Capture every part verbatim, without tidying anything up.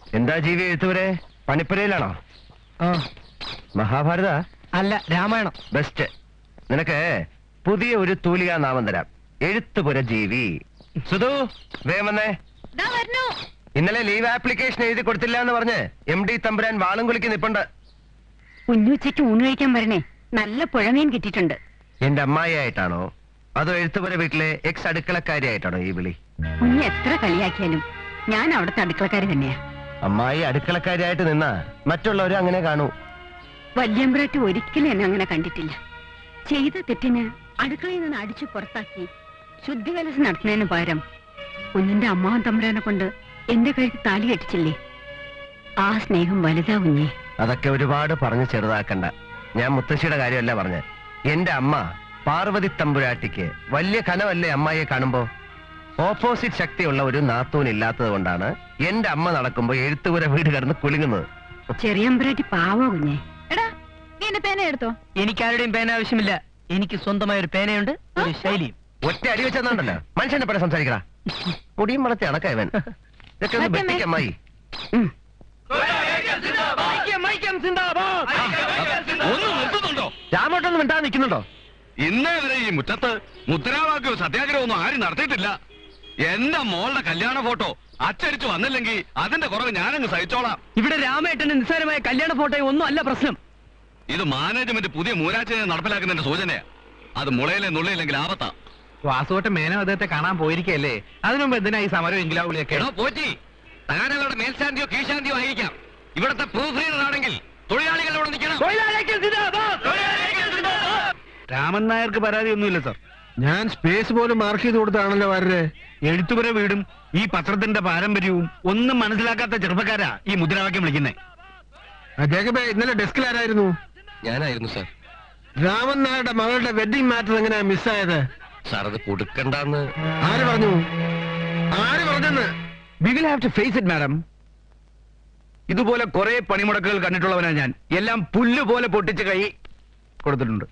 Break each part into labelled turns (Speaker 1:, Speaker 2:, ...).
Speaker 1: എന്താ ജീവി എഴുത്തുവരെ പണിപ്പുരയിലാണോ? മഹാഭാരത
Speaker 2: അല്ല, രാമായണം.
Speaker 1: ബെസ്റ്റ്. നിനക്ക് പുതിയ ഒരു തൂലികാ നാമം തരാം. എഴുത്തുപുര ജീവി. സുധു, വേഗം വന്നേ. ഇന്നലെ ലീവ് ആപ്ലിക്കേഷൻ എഴുതി കൊടുത്തില്ല എന്ന് പറഞ്ഞ് എം ഡി തമ്പുരാൻ വാളും കുലിക്ക് നിപ്പുണ്ട്.
Speaker 3: കുഞ്ഞുച്ചയ്ക്ക് ഊണ് കഴിക്കാൻ വരണേ. നല്ല പുഴമീൻ കിട്ടിയിട്ടുണ്ട്.
Speaker 1: എന്റെ അമ്മായി ആയിട്ടാണോ അതോ എഴുത്തുപുര വീട്ടിലെ എക്സ് അടുക്കളക്കാരി ആയിട്ടാണോ ഈ വിളി?
Speaker 3: കുഞ്ഞ് എത്ര കളിയാക്കിയാലും ഞാൻ അവിടുത്തെ അടുക്കളക്കാരി തന്നെയാ.
Speaker 1: അമ്മായി അടുക്കളക്കാരിയായിട്ട് നിന്നാ മറ്റുള്ളവരും അങ്ങനെ കാണൂ.
Speaker 3: വല്യമ്പ്രാട്ടി ഒരിക്കലും എന്നെ അങ്ങനെ കണ്ടിട്ടില്ല. ചെയ്ത തെറ്റിന് അടുക്കളയിൽ നിന്ന് അടിച്ചു പുറത്താക്കി ശുദ്ധികലസം നടത്തുന്നതിന് പകരം കുഞ്ഞിന്റെ അമ്മാവൻ തമ്പുരാനെ കൊണ്ട് എന്റെ കഴുത്ത് താലി കെട്ടിച്ചില്ലേ. ആ സ്നേഹം വലുതാ കുഞ്ഞേ.
Speaker 1: അതൊക്കെ ഒരുപാട് പറഞ്ഞ് ചെറുതാക്കണ്ട. ഞാൻ മുത്തശ്ശിയുടെ കാര്യമല്ല പറഞ്ഞ്. എന്റെ അമ്മ പാർവതി തമ്പുരാട്ടിക്ക് വലിയ കനവല്ലേ അമ്മായിയെ കാണുമ്പോ? ഓപ്പോസിറ്റ് ശക്തിയുള്ള ഒരു നാത്തൂൻ ഇല്ലാത്തത് കൊണ്ടാണ് എന്റെ അമ്മ നടക്കുമ്പോ എഴുത്തുപുര വീട് കിടന്ന് കുലുങ്ങുന്നത്.
Speaker 3: ചെറിയമ്പ്രാട്ടി പാവോ കുഞ്ഞേ.
Speaker 4: എടാ, നീ എന്റെ പേന എടുത്തോ.
Speaker 2: എനിക്കാരുടെയും പേന ആവശ്യമില്ല. എനിക്ക് സ്വന്തമായ ഒരു പേനയുണ്ട്, ഒരു ശൈലിയും.
Speaker 1: ഒറ്റ അടി വെച്ചെന്നുണ്ടല്ലോ മനുഷ്യനെ പോലെ സംസാരിക്കടാ. മുടിയും വളർത്തി അടക്കവൻ. ഇതൊക്കെ ഒന്ന് വെട്ടിക്ക് അമ്മായി. രാമോട്ടൊന്നും മിണ്ടാ നിൽക്കുന്നുണ്ടോ?
Speaker 5: ഇന്നേ വരെ ഈ മുറ്റത്ത് മുദ്രാവാക്യവും സത്യാഗ്രഹവും ഒന്നും ആരും നടത്തിയിട്ടില്ല. എന്റെ മോളുടെ കല്യാണ ഫോട്ടോ അച്ചടിച്ചു വന്നില്ലെങ്കിൽ അതിന്റെ കുറവ് ഞാനങ്ങ് സഹിച്ചോളാം.
Speaker 2: ഇവിടെ രാമേട്ടന്റെ നിസ്സാരമായ കല്യാണ ഫോട്ടോ ഒന്നും അല്ല പ്രശ്നം.
Speaker 5: ഇത് മാനേജ്മെന്റ് പുതിയ മൂരാച്ചിനെ നടപ്പിലാക്കുന്നതിന്റെ സൂചനയാ. അത് മുളയിലെ നുള്ളയില്ലെങ്കിൽ ആപത്താ.
Speaker 6: വാസുവട്ട മേനോ അദ്ദേഹത്തെ കാണാൻ പോയിരിക്കല്ലേ? അതിനുമുമ്പ് എന്തിനാ ഈ സമരം എങ്കിലാവുളിയൊക്കെ?
Speaker 5: പോറ്റി താനവരുടെ മേൽശാന്തിയോ കീഴ്ശാന്തിയോ ആയിരിക്കാം. ഇവിടത്തെ പ്രൂഫ് റീഡർ ആണെങ്കിൽ തൊഴിലാളികളോട് നിൽക്കണം.
Speaker 6: രാമൻ നായർക്ക് പരാതിയൊന്നുമില്ല സാർ.
Speaker 7: ഞാൻ സ്പേസ് പോലും മാർക്ക് ചെയ്ത് കൊടുത്താണല്ലോ വരരെ.
Speaker 6: എഴുത്തുപുര വീടും ഈ പത്രത്തിന്റെ പാരമ്പര്യവും ഒന്നും മനസ്സിലാക്കാത്ത ചെറുപ്പക്കാരാ ഈ മുദ്രാവാക്യം വിളിക്കുന്നേ.
Speaker 7: ജേക്കബേ, ഇന്നലെ ഡെസ്കിൽ ആരായിരുന്നു?
Speaker 1: ഞാനായിരുന്നു സാർ.
Speaker 7: രാമൻ നായരുടെ മകളുടെ വെഡിങ് മാറ്റർ എങ്ങനെയാ മിസ്സായത്?
Speaker 1: സാർ അത് കൊടുക്കണ്ടെന്ന്
Speaker 7: ആര് പറഞ്ഞു? ആര് പറഞ്ഞെന്ന്?
Speaker 6: We will have to face it madam. ഇതുപോലെ കുറെ പണിമുടക്കുകൾ കണ്ടിട്ടുള്ളവനാ ഞാൻ. എല്ലാം പുല്ല് പോലെ പൊട്ടിച്ച് കൈ കൊടുത്തിട്ടുണ്ട്.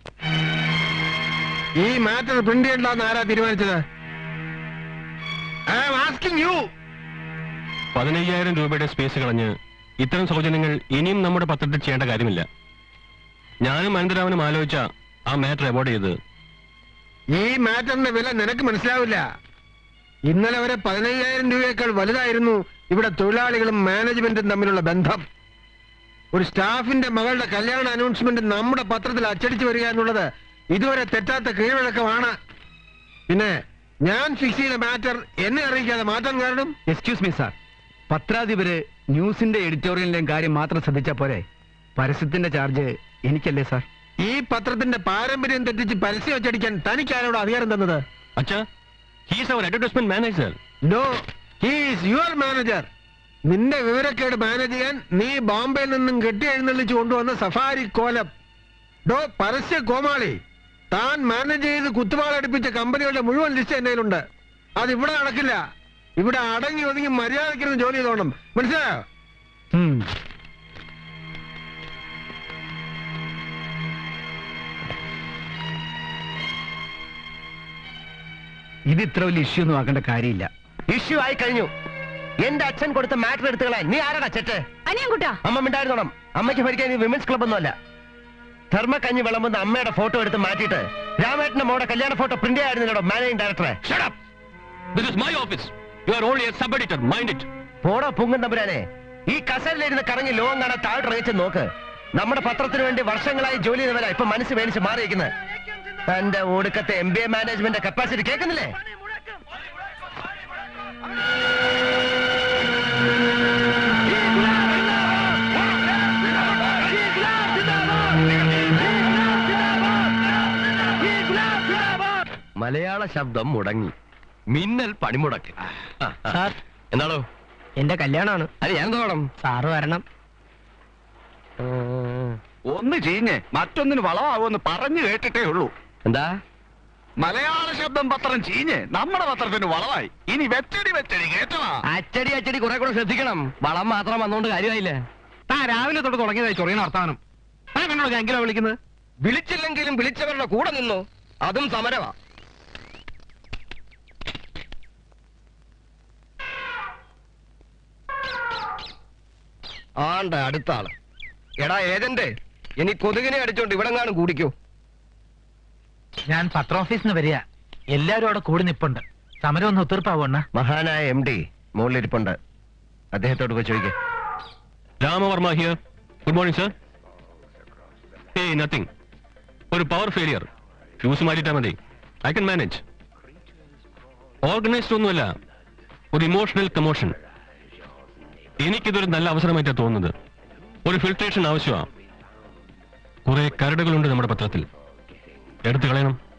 Speaker 7: ഈ മാറ്റർ പ്രിന്റ് ചെയ്യണ്ടെന്ന് ആരാ തീരുമാനിച്ചത്? I am asking you.
Speaker 8: പതിനയ്യായിരം രൂപയുടെ സ്പേസ് കളഞ്ഞ് ഇത്തരം സൗജന്യങ്ങൾ ഇനിയും നമ്മുടെ പത്രത്തിൽ ചെയ്യേണ്ട കാര്യമില്ല. ഞാനും അനന്തരാമനും ആലോചിച്ച ആ മാറ്റർ അവോയ്ഡ് ചെയ്ത്.
Speaker 7: ഈ മാറ്ററിന്റെ വില നിനക്ക് മനസ്സിലാവില്ല. ഇന്നലെ വരെ പതിനയ്യായിരം രൂപയേക്കാൾ വലുതായിരുന്നു ഇവിടെ തൊഴിലാളികളും മാനേജ്മെന്റും തമ്മിലുള്ള ബന്ധം. ഒരു സ്റ്റാഫിന്റെ മകളുടെ കല്യാണ അനൗൺസ്മെന്റ് നമ്മുടെ പത്രത്തിൽ അച്ചടിച്ചു വരിക എന്നുള്ളത് ഇതുവരെ തെറ്റാത്ത കീഴ്വഴക്കമാണ്. പിന്നെ ഞാൻ ഫിക്സ് ചെയ്ത മാറ്റർ എന്നെ അറിയിക്കാതെ മാറ്റാൻ കാരണം?
Speaker 6: എക്സ്ക്യൂസ് മീ സാർ, പത്രാധിപര് ന്യൂസിന്റെ എഡിറ്റോറിയലിന്റെയും കാര്യം മാത്രം ശ്രദ്ധിച്ചാ പോരെ? പരസ്യത്തിന്റെ ചാർജ് എനിക്കല്ലേ സാർ?
Speaker 7: ഈ പത്രത്തിന്റെ പാരമ്പര്യം തെറ്റിച്ച് പരസ്യം അച്ചടിക്കാൻ തനിക്ക് ആരോട് അധികാരം തന്നത്?
Speaker 8: അച്ഛാ, he is our advertisement manager.
Speaker 7: No, he is your manager. നിന്റെ വിവരക്കേട് മാനേജ് ചെയ്യാൻ നീ ബോംബെയിൽ നിന്നും കെട്ടി എഴുന്നള്ളിച്ചു കൊണ്ടുവന്ന സഫാരി കോലം. ഡോ പരസ്യ കോമാളി, താൻ മാനേജ് ചെയ്ത് കുത്തുവാളടിപ്പിച്ച കമ്പനികളുടെ മുഴുവൻ ലിസ്റ്റ് എന്റെ കയ്യിലുണ്ട്. അത് ഇവിടെ നടക്കില്ല. ഇവിടെ അടങ്ങി ഒതുങ്ങി മര്യാദയ്ക്കിരുന്ന് ജോലി ചെയ്തോണം, മനസ്സിലായോ?
Speaker 6: ഇത് ഇത്ര വലിയ ഇഷ്യൂ ഒന്നും ആക്കേണ്ട കാര്യമില്ല.
Speaker 1: ഇഷ്യൂ ആയി കഴിഞ്ഞു. എന്റെ അച്ഛൻ കൊടുത്ത മാറ്റർ എടുത്തുകളാൻ നീ ആരാടാ ചെറ്റ്?
Speaker 3: അനിയൻകുട്ടാ,
Speaker 1: അമ്മ മിണ്ടായിരുന്നോണം. അമ്മയ്ക്ക് ഭരിക്കാൻ ഈ വിമൻസ് ക്ലബ് ഒന്നുമല്ല. ധർമ്മക്കഞ്ഞി വിളമ്പുന്ന അമ്മയുടെ ഫോട്ടോ എടുത്ത് മാറ്റിയിട്ട് രാമേട്ടന്റെ മോടെ കല്യാണ ഫോട്ടോ പ്രിന്റ് ആയിരുന്നല്ലോ മാനേജിംഗ് ഡയറക്ടറെ.
Speaker 8: Shut up. This is my office. You are only a sub-editor. Mind it.
Speaker 1: പോടോ പുങ്ങൻ തമ്പുരാനെ. ഈ കസലിലിരുന്ന് കറങ്ങി ലോകം കാണാൻ താഴോട്ടിറങ്ങിച്ച് നോക്ക്. നമ്മുടെ പത്രത്തിന് വേണ്ടി വർഷങ്ങളായി ജോലി ചെയ്തവരാ ഇപ്പൊ മനസ്സ് വേണിച്ച് മാറിയിരിക്കുന്നത്. തന്റെ ഒടുക്കത്തെ M B A management capacity കേൾക്കുന്നില്ലേ? മലയാള ശബ്ദം മുടങ്ങി. മിന്നൽ പണിമുടക്ക്.
Speaker 2: സാർ,
Speaker 1: എന്താണോ?
Speaker 2: എന്റെ കല്യാണമാണ്.
Speaker 1: അത് ഞാൻ തോണം.
Speaker 2: സാറ് വരണം.
Speaker 5: ഒന്ന് ചീഞ്ഞ് മറ്റൊന്നിന് വളമാവുമെന്ന് പറഞ്ഞു കേട്ടിട്ടേ ഉള്ളൂ.
Speaker 1: എന്താ?
Speaker 5: മലയാള ശബ്ദം പത്രം ചീഞ്ഞ് നമ്മുടെ പത്രത്തിന് വളമായി. ഇനി വെച്ചടി വെച്ചടി കേട്ടവാ.
Speaker 1: അച്ചടി അച്ചടി കുറെ കൂടെ ശ്രദ്ധിക്കണം. വളം മാത്രം വന്നോണ്ട് കാര്യമായില്ല.
Speaker 6: താൻ രാവിലെ തൊട്ട് തുടങ്ങിയതായി ചൊറിയുന്ന വർത്താനം. താൻ കണ്ടോ ഞാൻ എങ്കിലും വിളിക്കുന്നത്?
Speaker 1: വിളിച്ചില്ലെങ്കിലും വിളിച്ചവരുടെ കൂടെ നിന്നു. അതും സമരമാ. ആണ്ട അടുത്ത ആള്. എടാ ഏജന്റ്, ഇനി കൊതുകിനെ അടിച്ചോണ്ട് ഇവിടെ കാണും കൂടിക്കോ.
Speaker 2: ഞാൻ പത്രോഫീസിൽ നിന്ന് വരിക. എല്ലാവരും അവിടെ കൂടി നിപ്പുണ്ട്. സമരം ഒന്ന് ഒത്തീർപ്പാവണ്ണ.
Speaker 1: മഹാനായ എം ഡി മുകളിലിരിപ്പുണ്ട്. അദ്ദേഹത്തോട് പോയി ചോദിക്കേ.
Speaker 8: Ramavarma here. Good morning sir. ഏയ് നത്തിങ്. ഒരു പവർ ഫെയിലിയർ. ഫ്യൂസ് മാറ്റിട്ടാ മതി. I can manage. ഓർഗനൈസ്ഡ് ഒന്നുമല്ല, ഒരു ഇമോഷണൽ കമോഷൻ. എനിക്കിതൊരു നല്ല അവസരമായിട്ടാ തോന്നുന്നത്. ഒരു ഫിൽട്രേഷൻ ആവശ്യമാണ്. കുറെ കരടുകളുണ്ട് നമ്മുടെ പത്രത്തിൽ, എടുത്തു കളയണം.